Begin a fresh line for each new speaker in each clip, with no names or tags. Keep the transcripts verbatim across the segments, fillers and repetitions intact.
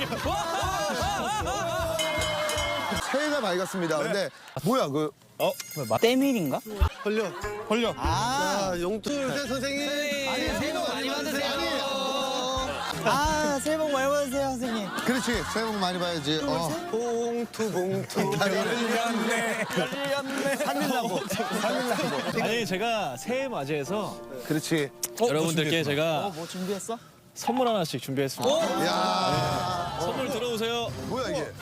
새해가 밝았습니다. 근데 뭐야 그
어?
때밀인가?
걸려. 걸려.
아,
자, 용투 선생님.
아니, 새해 복 많이 받으세요. 아, 새해 복 많이 받으세요, 선생님.
그렇지 새해 복 많이 봐야지. 어.
봉투 봉투.
열렸네.
살릴라고 살릴라고.
아니 제가 새해 맞이해서
그렇지.
여러분들께 제가
뭐 준비했어?
선물 하나씩 준비했습니다.
야
선물 들어오세요.
뭐야 이게?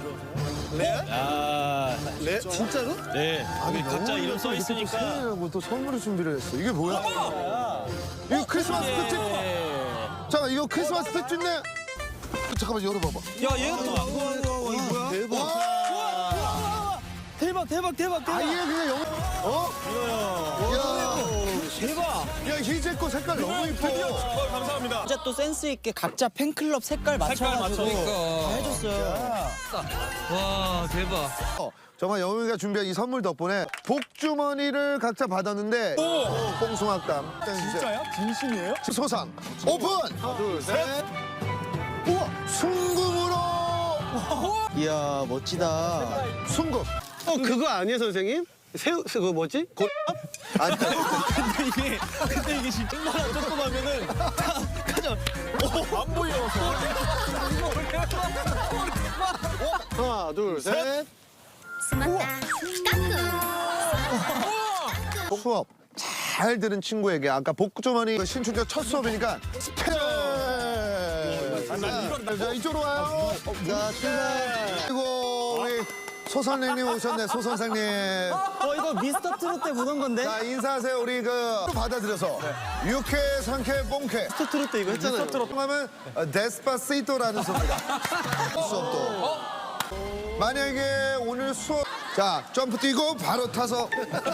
아,
네? 진짜로?
네. 여기 각자 이름 써 있으니까.
새해라고 또 선물을 준비를 했어. 이게 뭐야? 이거 크리스마스 특집.
네.
잠깐 이거 크리스마스 특집네. 잠깐만 열어봐봐.
야, 얘가 또 안 거야.
뭐야? 대박.
대박, 대박, 대박, 대박.
아예 그냥 영. 어? 야.
대박.
야 희재 거 색깔 너무 이뻐.
어, 감사합니다.
진짜 또 센스 있게 각자 팬클럽 색깔 맞춰가지고 다 해줬어요.
와 대박.
어, 정말 영웅이가 준비한 이 선물 덕분에 복주머니를 각자 받았는데 뽕숭악담 진짜야?
진심이에요?
소상 오픈! 하나 둘셋 우와 순금으로
이야, 멋지다.
순금
어 그거 아니에요 선생님? 새우 그거 뭐지? 고...
아니
근데 이게 근데 이게 진짜 얼마나 조금 하면은 가자. 안 보여.
하나 둘셋
수업 잘 들은 친구에게 아까 복주머니 신춘자 첫 수업이니까 스펠 자 이쪽으로 와요 자 출발 그리고 우리 소 선생님 오셨네 소 선생님
어, 이거 미스터 트롯 때 보던 건데?
자 인사하세요 우리 그 받아들여서 유쾌 상쾌 뽕쾌
미스터 트롯 때 이거 했잖아요.
미스터 트롯 하면 어, 데스파시토라는 소리가 수업도 만약에 오늘 수업 자 점프 뛰고 바로 타서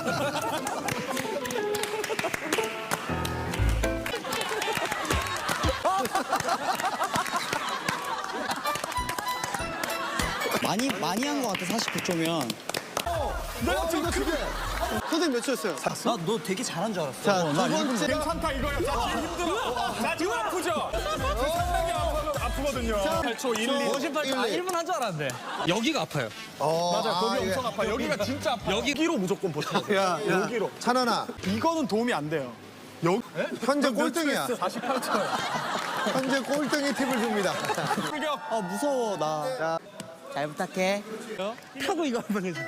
많이, 많이 한 것 같아, 사십구 초면.
내가 지금 그게
선생님 몇 초였어요?
나 너 되게 잘한 줄 알았어.
자,
어, 나
두 번째.
괜찮다 이거야. 자, 지금 힘들어. 자, 지금 아프죠? 상당히 아프거- 아프거든요. 팔 초, 일, 이.
오십팔 초. 아, 일 분
한 줄 알았는데. 여기가 아파요.
어,
맞아, 거기
아,
엄청
예.
아파. 여기가 진짜 아파. 여기로 무조건 버텨야 돼.
야, 야.
여기로.
찬원아
이거는 도움이 안 돼요. 여기
현재 꼴등이야
사십팔 초야.
현재 꼴등이 팁을 줍니다
출격.
아, 무서워, 나. 잘 부탁해.
하고 이거 한번 해줘.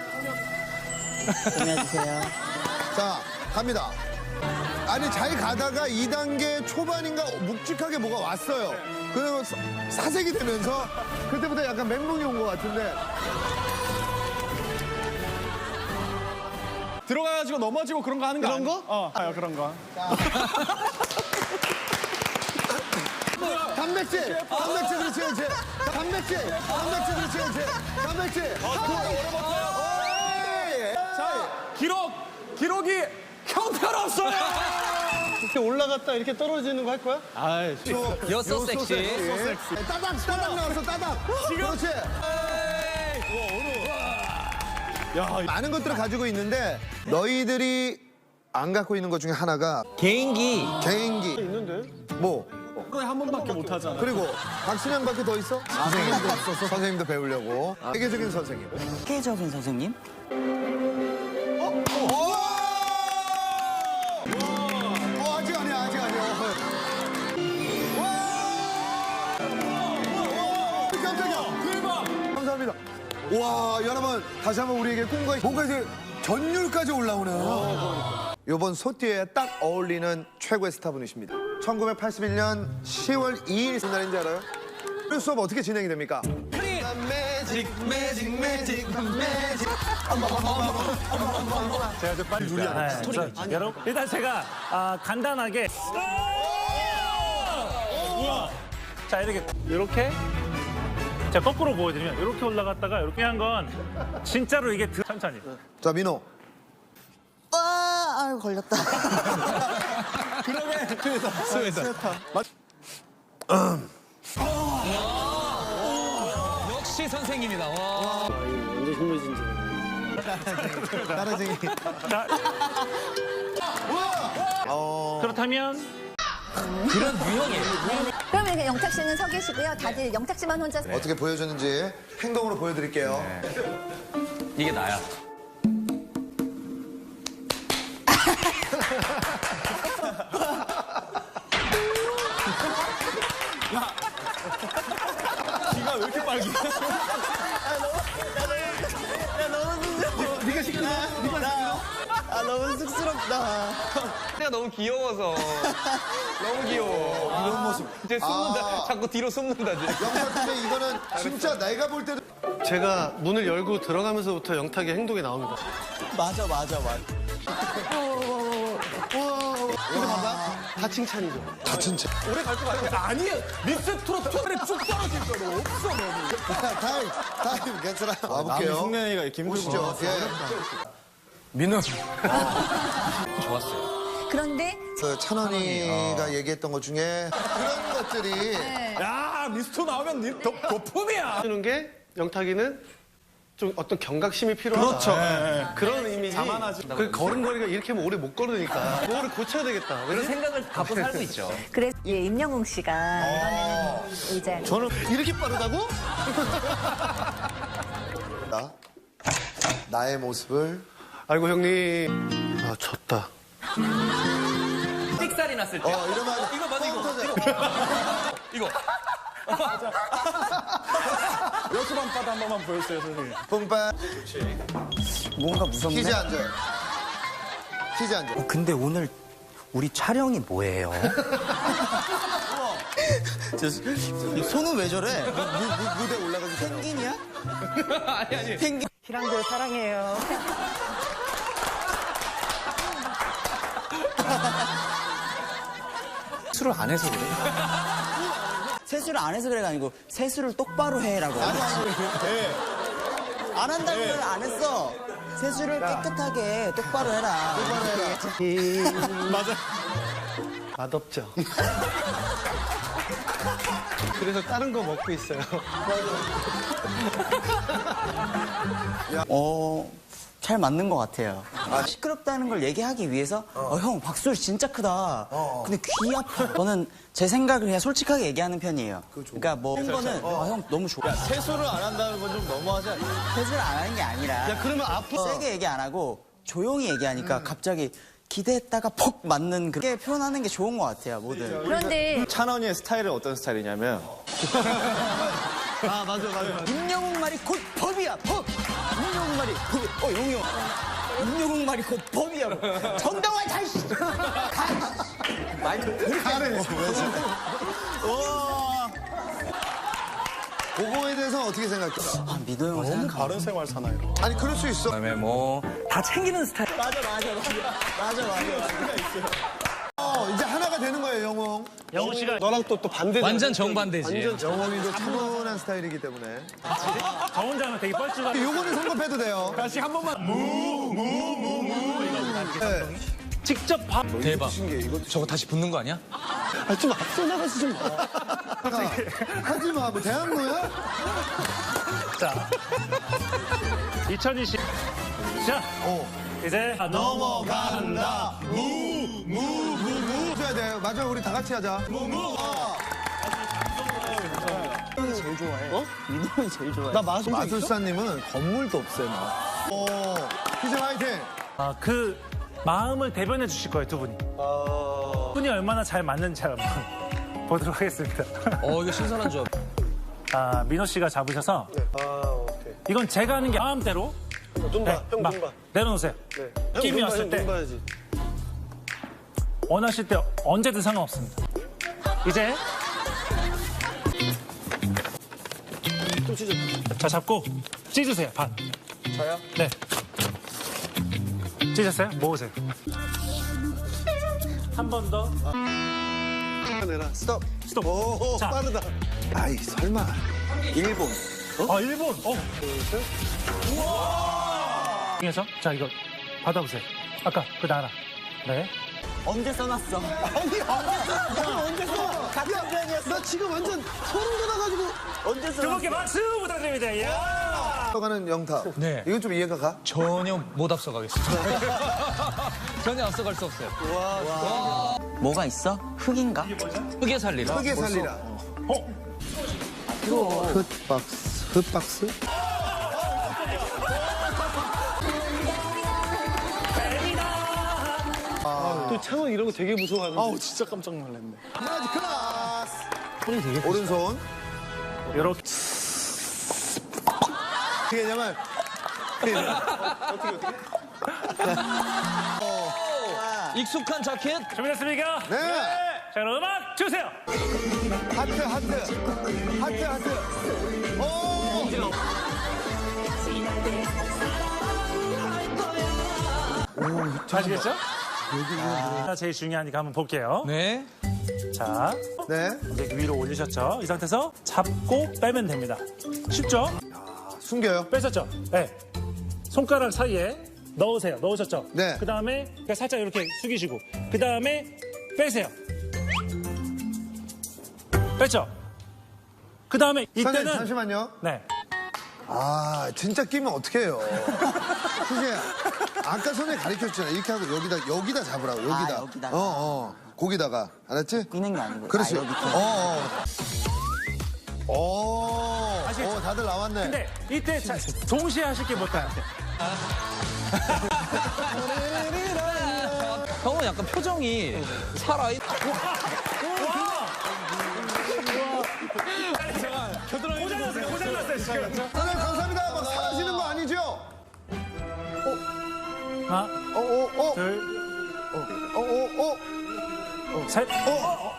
보내주세요.
자 갑니다 아니 잘 가다가 이 단계 초반인가 묵직하게 뭐가 왔어요 그러면 사- 사색이 되면서 그때부터 약간 멘붕이 온 것 같은데
들어가가지고 넘어지고 그런 거 하는 거
그런
아니-
거?
어, 아, 그런 거.
단백질 단백질 그렇지 그렇지 단백질 단백질 그렇지 그렇지 단백질
자, 기록! 기록이 형편없어요!
이렇게 올라갔다 이렇게 떨어지는 거 할 거야?
아이,
You're so sexy.
따닥 따닥 나왔어 따닥 그렇지
야,
많은 것들을 가지고 있는데 너희들이 안 갖고 있는 것 중에 하나가
개인기.
개인기
있는데?
뭐
하루에 한 번밖에 못 하잖아.
그리고 박신양밖에 더 있어? 선생님도 없어서 선생님도 배우려고 세계적인 선생님
세계적인 선생님?
어, 아직 아니야 아직 아니야 와! 와! 깜짝이야 대박 감사합니다 와 여러분 다시 한번 우리에게 꿈과 뭔가 이제 전율까지 올라오네요 이번 소띠에 딱 어울리는 최고의 스타분이십니다 천구백팔십일 년 시월 이일 무슨 날인지 알아요? 오늘 수업 어떻게 진행이 됩니까?
매직 매직 매직 매직.
제가 저 빨리 누리 안
여러분 일단 제가 아, 간단하게 자 이렇게 이렇게 자 거꾸로 보여드리면 이렇게 올라갔다가 이렇게 한 건 진짜로 이게 드... 천천히
자 민호
와, 아유, 걸렸다.
역시 선생님이다. 와.
완전 흥미진진.
따라쟁이
자
어...
그렇다면
그런 유형이에요.
그럼 친구들 영탁 씨는 서 계시고요. 다들 영탁 씨만 혼자.
어떻게 보여줬는지 행동으로 보여드릴게요.
이게 나야.
귀가 왜 이렇게 빨개?
네가 시끄러. 아 너무 쑥스럽다.
내가 너무 귀여워서. 너무 귀여워.
이런 모습.
이제 숨는다.
아.
자꾸 뒤로 숨는다. 지금.
영탁 근데 이거는 진짜 내가 볼 때도
제가 문을 열고 들어가면서부터 영탁의 행동이 나옵니다.
맞아 맞아 맞아.
근데 봐봐. 다 칭찬이죠.
다 진짜.
오래 갈 것 같아. 아니야. 믹스트로 톤에 쭉 떨어질 거로 없어 너무.
타임, 타임, 괜찮아. 와볼게요.
숙련이가 이렇게
보시죠. 예.
민우. 좋았어요.
그런데
그 찬원이가 얘기했던 것 중에 그런 것들이
야 미스터 나오면 니 도, 도품이야.
해주는 게 영탁이는 좀 어떤 경각심이 필요하다.
그렇죠. 예, 예.
그런 이미지.
자만하지.
그 걸음걸이가 이렇게 하면 오래 못 걸으니까. 그거를 고쳐야 되겠다.
그런 생각을 갖고 살고 있죠.
그래서 예, 임영웅 씨가 이번에는 의자.
저는 이렇게 빠르다고?
나, 나의 모습을
아이고 형님. 아 졌다.
삑살이 났을 때.
어 이러면
이거 맞아 이거. 이거.
여수 밤바다 한 번만 보여주세요 선생님.
뿜빠
뭔가 무섭네.
키즈 앉아요. 키즈 앉아.
어, 근데 오늘 우리 촬영이 뭐예요? 저, 저, 손은 왜 저래?
무, 무, 무대 올라가기 전에.
펭귄이야?
아니 아니.
펭귄. 희랑들 사랑해요.
술을 안 해서 그래.
세수를 안 해서 그래가 아니고 세수를 똑바로 해라고. 아니 아니. 안 한다고는 안 했어. 세수를 깨끗하게 똑바로 해라. 똑바로 해라.
맞아. 맛없죠. 그래서 다른 거 먹고 있어요.
어, 잘 맞는 것 같아요. 시끄럽다는 걸 얘기하기 위해서 어, 형 박수를 진짜 크다. 근데 귀 아파. 저는 제 생각을 그냥 솔직하게 얘기하는 편이에요. 그러니까 뭐 한 거는 아, 형 너무 좋아.
세수를 안 한다는 건 좀 너무하지 않냐?
세수를 안 하는 게 아니라
야 그러면 앞으로
세게 얘기 안 하고 조용히 얘기하니까 갑자기 기대했다가 퍽 맞는 그렇게 표현하는 게 좋은 것 같아요, 뭐든.
그런데
찬원이의 스타일은 어떤 스타일이냐면
아 맞아 맞아.
임영웅 말이 곧 법이야, 법! 임영웅 말이 법이 어, 용이 형. 임영웅 말이 곧 법이야. 정당화 잘 씨.
그거에 대해서 어떻게 생각해?
아, 민호 형을 생각하면
다른 생활 사나요?
아니 그럴 수 있어.
그다음에 뭐 다 챙기는 스타일.
맞아, 맞아, 맞아. 맞아, 맞아.
어 이제 하나가 되는 거예요 영웅.
영훈 씨가 너랑 또 또 반대.
완전 정반대지.
완전
영웅이도 차분한 스타일이기 때문에.
저 혼자는 되게 뻘쭘한.
요거는 성급해도 돼요.
다시 한 번만 무무무무 이거
네.
직접 밥.
대박. 저거 다시 붙는 거 아니야?
아, 좀 앞서 나가서 좀.
하지 마. 뭐 대학로야?
자, 이천이십. 자,
어.
이제 넘어간다.
무무무무 해야 돼요. 맞아 우리 다 같이 하자. 무무.
형이 제일 좋아해. 어? 민호 형이 제일 좋아해.
나 마술
마술사님은 건물도 없애요. 오. 키즈 화이팅.
아, 그 마음을 대변해 주실 거예요, 두 분이. 두 분이 얼마나 잘 맞는지 한번 보도록 하겠습니다.
어 이거 신선한 조합.
아, 민호 씨가 잡으셔서
아 오케이.
이건 제가 하는 게 마음대로
눈 봐. 형
막
눈 봐.
내려놓으세요.
네.
느낌이
형,
왔을
눈
때.
눈 봐야지.
원하실 때 언제든 상관없습니다. 이제
좀 찢어.
자 잡고 찢으세요 반.
저요?
네. 찢었어요? 모으세요. 한 번 더.
내라. 스톱.
스톱.
오
자.
빠르다.
아이 설마.
일본.
아 일본. 어. 우와. 중에서 자 이거 받아보세요. 아까 그 나라. 네.
언제 써놨어?
아니 언제 써?
같은 편이었어.
나 지금 완전 소름 돋아가지고.
언제
두
써놨어?
분께 박수 부탁드립니다. 이야.
가는 영탁.
네.
이건 좀 이해가 가?
전혀 못 앞서가겠습니다. 전혀 앞서갈 수 없어요.
뭐가 있어? 흙인가?
흙에 살리라.
크게 살리라. 흑박스. 흑박스?
또 창원 이런 거 되게 무서워하는데.
아우 진짜 깜짝 놀랐네.
마지 클라스.
손이 되게
오른손.
이렇게
어떻게 하냐면.
익숙한 자켓.
준비됐습니까?
네.
자, 그럼 음악 주세요.
하트, 하트. 하트, 하트. 오!
아시겠죠? 자, 제일 중요하니까 한번 볼게요.
네.
자,
네.
이제 위로 올리셨죠? 이 상태에서 잡고 빼면 됩니다. 쉽죠?
숨겨요.
뺐었죠? 네. 손가락 사이에 넣으세요. 넣으셨죠?
네.
그 다음에 그냥 살짝 이렇게 숙이시고, 그 다음에 빼세요. 뺐죠? 그 다음에
선생님,
이때는
잠시만요.
네.
아, 진짜 끼면 어떡해요. 그게 아까 선생님 가르쳐줬잖아요. 이렇게 하고 여기다, 여기다 잡으라고, 여기다.
아, 여기다가.
어, 어. 거기다가. 알았지?
끼는 게 아니고.
그렇지.
아, 여기 밑에.
어, 어. 오,
아시겠죠?
어, 다들 나왔네.
근데 이때 자, 동시에 하실 게 못해요.
형은 약간 표정이 살아있.
고장났어요. 고장났어요, 지금.
선생님, 감사합니다. 막 사라지는 거 아니죠?
하나,
어, 어, 어.
둘,
어, 어, 어.
셋.
어,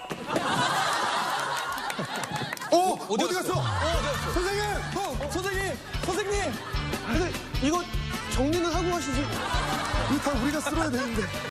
어디,
어디
갔어?
갔어?
선생님!
어, 선생님, 선생님. 근데 이거 정리는 하고 가시지.
이거 다 우리가 쓸어야 되는데.